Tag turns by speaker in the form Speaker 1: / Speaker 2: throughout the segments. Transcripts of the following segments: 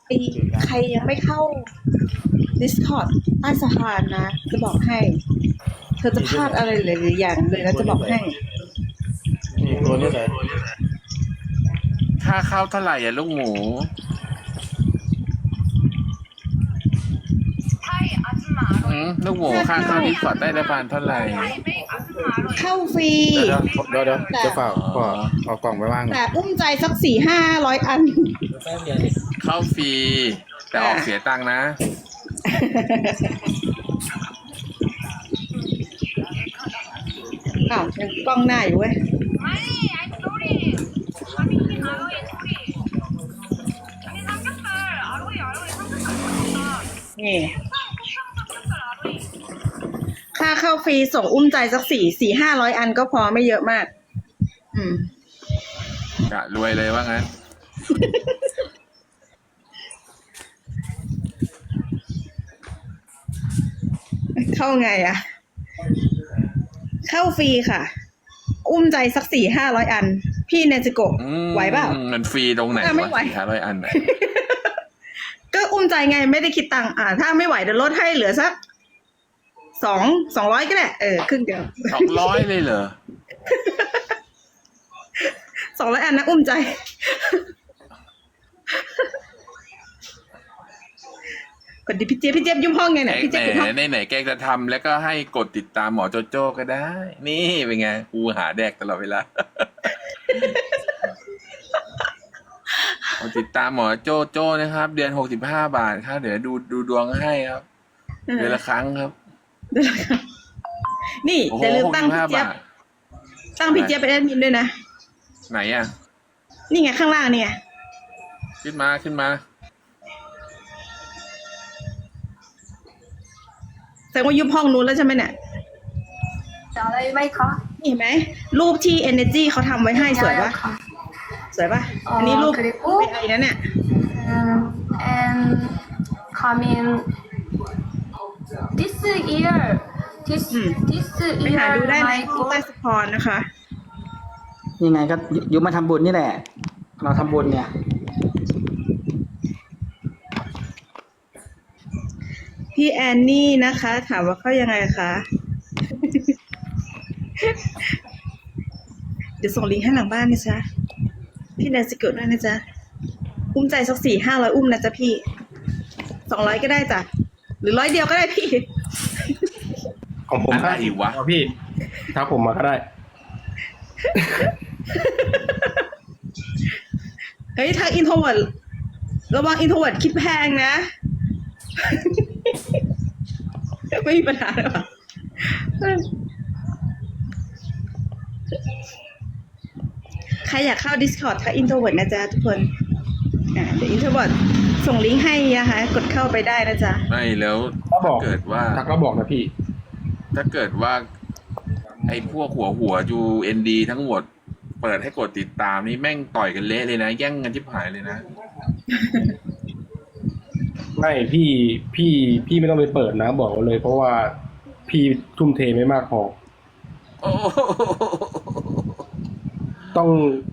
Speaker 1: ใครใครยังไม่เข้า Discord ใต้สะพานนะ จะบอกให้ เธอจะพลาดอะไรหลายๆอย่างเลยนะจะบอกให้
Speaker 2: นี่ตัวนี้เลย
Speaker 3: ค่าเข้าเท่าไหร่อ่ะลูกหมูลูกหมูค่าเข้าดิสคอร์ดใต้สะพานเท่าไหร่
Speaker 1: เข้าฟรี
Speaker 2: เดี๋ยวจะฝากขอเอากล่องไปว่าง
Speaker 1: แต่อุ้มใจสัก400-500 อัน
Speaker 3: เข้าฟรีแต่ออกเสียตังค์นะ
Speaker 1: อ้าวยังกล้องหน้าอยู่เว้ย นี่ ค่าเข้าฟรีส่งอุ้มใจสัก400-500 อันก็พอไม่เยอะมาก อืม
Speaker 3: กะรวยเลยว่างั้น
Speaker 1: เข้าไงอะเข้าฟรีค่ะ อุ้มใจสัก400-500 อัน พี่เนจิโกะไหวเปล่า
Speaker 3: มันฟรีตรงไหน
Speaker 1: ไม่
Speaker 3: วะ
Speaker 1: ไหว
Speaker 3: 400 อันน่ะ
Speaker 1: ก็อุ้มใจไงไม่ได้คิดตังค์ถ้าไม่ไหวเดี๋ยวลดให้เหลือสัก200ก็ได้ครึ่งเดียว
Speaker 3: 200เลยเหรอ
Speaker 1: 200 อันนะอุ้มใจ กดดิพี่เจี๊ยบยุ่งห้องไงเนี่ยพี่
Speaker 3: ไห
Speaker 1: เจี๊ยบยุ่งห้อง
Speaker 3: นไหนแกจะทำแล้วก็ให้กดติดตามหมอโจโจ้ก็ได้ นี่เป็นไงกูหาแดกตลอดเวลา กดติดตามหมอโจโจ้นะครับ เดือน65 บาทครับเดี๋ยวดูดวงให้ครับ เดือนละครั้งครับ
Speaker 1: นี่
Speaker 3: โอ้โห
Speaker 1: อย่าลืมตั้งพี่
Speaker 3: 65
Speaker 1: เจี๊ยบบ
Speaker 3: าท
Speaker 1: ตั้งพี่เจี๊ยบเป็นแอดมินด้วยนะ
Speaker 3: ไหนอ่ะ
Speaker 1: นี่ไงข้างล่างเนี่ย
Speaker 3: ขึ้นมา
Speaker 1: แสดงว่ายุบห้องนู้นแล้วใช่ไหมเนี่ย
Speaker 4: จะอะไรไหมคะ
Speaker 1: นี่เห็นไหมรูปที่ Energy เขาทำไว้ให้สวยปะ
Speaker 4: ค่ะ
Speaker 1: สวยปะอันนี้รูป
Speaker 4: 그리고
Speaker 1: ไม่ไอนะเนี่ย
Speaker 4: and coming this year this
Speaker 1: ไปหา
Speaker 4: year
Speaker 1: ดูได้ใน
Speaker 4: my
Speaker 1: ที่ใต้
Speaker 4: goal
Speaker 1: สปอนนะคะ
Speaker 5: ยังไงก็ยุบมาทำบุญนี่แหละ เราทำบุญเนี่ย
Speaker 1: พี่แอนนี่นะคะ ถามว่าเข้ายังไงคะ เดี๋ยวส่งลิงก์ให้หลังบ้านนะจ๊ะ พี่แนนสิเกิดด้วยนะจ๊ะ อุ้มใจสัก400-500 อุ้มนะจ๊ะพี่200ก็ได้จ้ะ หรือ100เดียวก็ได้พี่
Speaker 2: ของผม
Speaker 3: อะไรวะ
Speaker 2: พี่ถ้าผมมาก็ได้
Speaker 1: เฮ้ยทางอินโทรเวิร์ดระวังอินโทรเวิร์ดคิดแพงนะ ไม่มีปัญหาหรอกใครอยากเข้า Discord ทักอินโทรเวิร์ดนะจ๊ะทุกคนเดี๋ยวอินโทรเวิร์ดส่งลิงก์ให้นะคะกดเข้าไปได้นะจ๊ะ
Speaker 3: ไม่แล้ว
Speaker 2: ถ้าบอก
Speaker 3: เกิดว่า
Speaker 2: ทักก็บอกนะพี่
Speaker 3: ถ้าเกิดว่า ไอ้พวกหัวยูเอ็นดีทั้งหมด เปิดให้กดติดตามนี่แม่งต่อยกันเละเลยนะ แย่งกันชิบหายเลยนะ
Speaker 2: ไม่พี่ไม่ต้องไปเปิดนะบอกไว้เลย เพราะว่าพี่ทุ่มเทไม่มากพอ
Speaker 3: โอ้โห
Speaker 2: ต้อง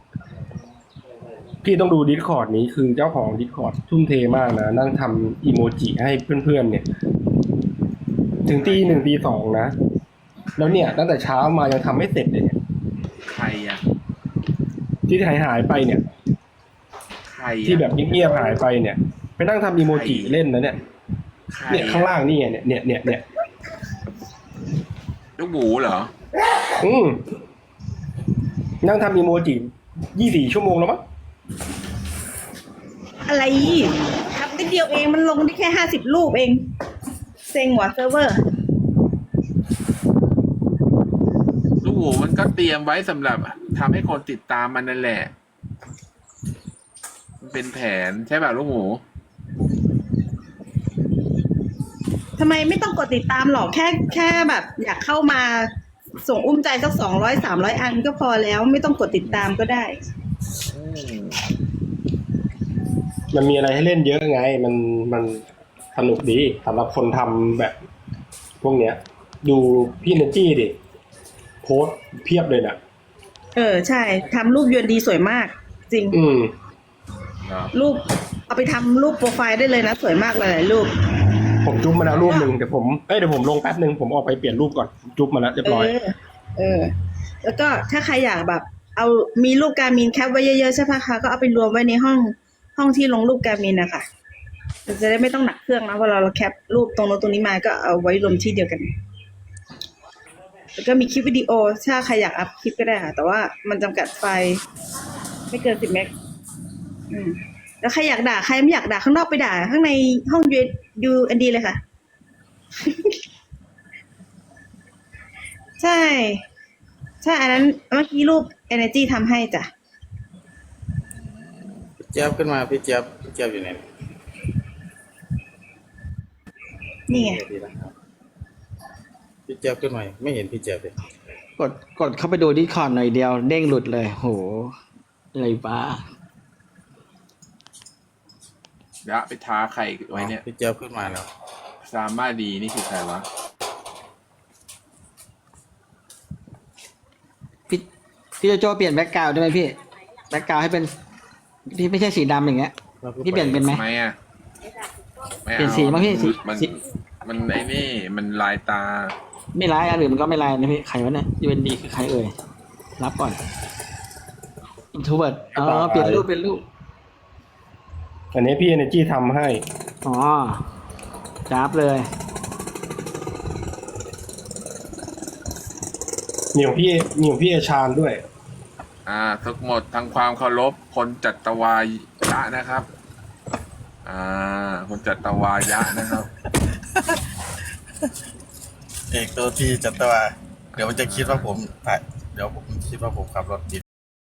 Speaker 2: พี่ต้องดูดิสคอร์ดนี้คือเจ้าของดิสคอร์ดทุ่มเทมากนะ นั่งทำอีโมจิให้เพื่อนๆเนี่ย ถึงตี 1 ตี 2นะ แล้วเนี่ย ตั้งแต่เช้ามายังทำไม่เสร็จเลยเนี่ย
Speaker 3: ใครอ่ะ
Speaker 2: ที่หายไปเนี่ย
Speaker 3: ใครอะ
Speaker 2: ที่แบบเงียบๆหายไปเนี่ย ไปนั่งทำอีโมจิเล่นนะเนี่ย
Speaker 3: ใคร
Speaker 2: เนี่ยข้างล่างนี่ไงเนี่ย
Speaker 3: ลูกหมูเหรอ
Speaker 2: นั่งทำอีโมจิ24 ชั่วโมงแล้วมั้ง
Speaker 1: อะไรทำนิดเดียวเองมันลงได้แค่50 รูปเอง เซ็งว่ะเซิร์ฟเวอร์
Speaker 3: ลูกหมูมันก็เตรียมไว้สำหรับทำให้คนติดตามมันนั่นแหละ มันเป็นแผนใช่ป่ะลูกหมู
Speaker 1: ทำไมไม่ต้องกดติดตามหรอกแค่แบบอยากเข้ามาส่งอุ้มใจสัก200-300 อันก็พอแล้วไม่ต้องกดติดตามก็ได้
Speaker 2: มันมีอะไรให้เล่นเยอะไง มันสนุกดีสำหรับคนทำแบบ พวกเนี้ย ดูพี่เนจี้ดิ โพสต์เพียบเลยนะ
Speaker 1: ใช่ทำรูปยวนดีสวยมาก จริง
Speaker 2: อืม
Speaker 1: รูปเอาไปทำรูปโปรไฟล์ได้เลยนะสวยมากเลยหลายรูป
Speaker 2: ผมจุ๊บมาแล้วรูปหนึ่งเดี๋ยวผมลงแป๊บหนึ่งผมออกไปเปลี่ยนรูปก่อนจุ๊บมาแล้วเรียบร้อย
Speaker 1: แล้วก็ถ้าใครอยากแบบ เอามีรูปการมินแคปไว้เยอะๆใช่ปะคะก็เอาไปรวมไว้ในห้องที่ลงรูปการมินนะคะจะได้ไม่ต้องหนักเครื่องนะเวลาเราแคปรูปตรงโน้นตรงนี้มาก็เอาไว้รวมที่เดียวกัน แล้วก็มีคลิปวิดีโอถ้าใครอยากอัพคลิปก็ได้ค่ะแต่ว่ามันจำกัดไฟล์ไม่เกิน10 เมกแล้วใครอยากด่าใครไม่อยากด่าข้างนอกไปด่าข้างในห้องUNDเลยค่ะ ใช่อันนั้นเมื่อกี้รูป Energy ทำให้จ้ะ
Speaker 6: เจี๊ยบขึ้นมาพี่เจี๊ยบอยู่ไหน
Speaker 1: นี่ไง
Speaker 6: พี่เจี๊ยบขึ้นมาไม่เห็นพี่เจี๊ยบเลย
Speaker 5: กดเข้าไปดูดิคอร์ดหน่อยเดียวเด้งหลุดเลยโหอะไรบ้า
Speaker 3: ยะไปท้าใครไว้เนี่ย
Speaker 6: พี่เจี๊ยบขึ้นมาแล้ว
Speaker 3: ซามาดีนี่คือใครวะ
Speaker 5: พี่โจโจเปลี่ยนแบ็กกราวด์ได้ไหมพี่แบ็กกราวด์ให้เป็นที่ไม่ใช่สีดำอย่างเงี้ยพี่เปลี่ยนเป็นไหม
Speaker 3: ทำไมอ่ะไม่
Speaker 5: เปลี่ยนสีมั้งพี่สี
Speaker 3: มันไอ้นี่มันลายตา
Speaker 5: ไม่ร้ายอันอื่นมันก็ไม่ร้ายนะพี่ใครวะเนี่ย UND คือใครเอ่ยรับก่อน introvert อ๋อเปลี่ยนรูป
Speaker 2: อันนี้พี่ Energy ทำให้
Speaker 5: อ๋อจับเลย
Speaker 2: มีของพี่เอชานด้วย
Speaker 3: ทั้งหมดทั้งความเคารพคนจัตวายะนะครับ คนจัตวายะนะครับ
Speaker 6: เอกตัวที่จัตวาเดี๋ยวมันจะคิดว่าผมถ่ายเดี๋ยวผมคิดว่าผมขับรถผิด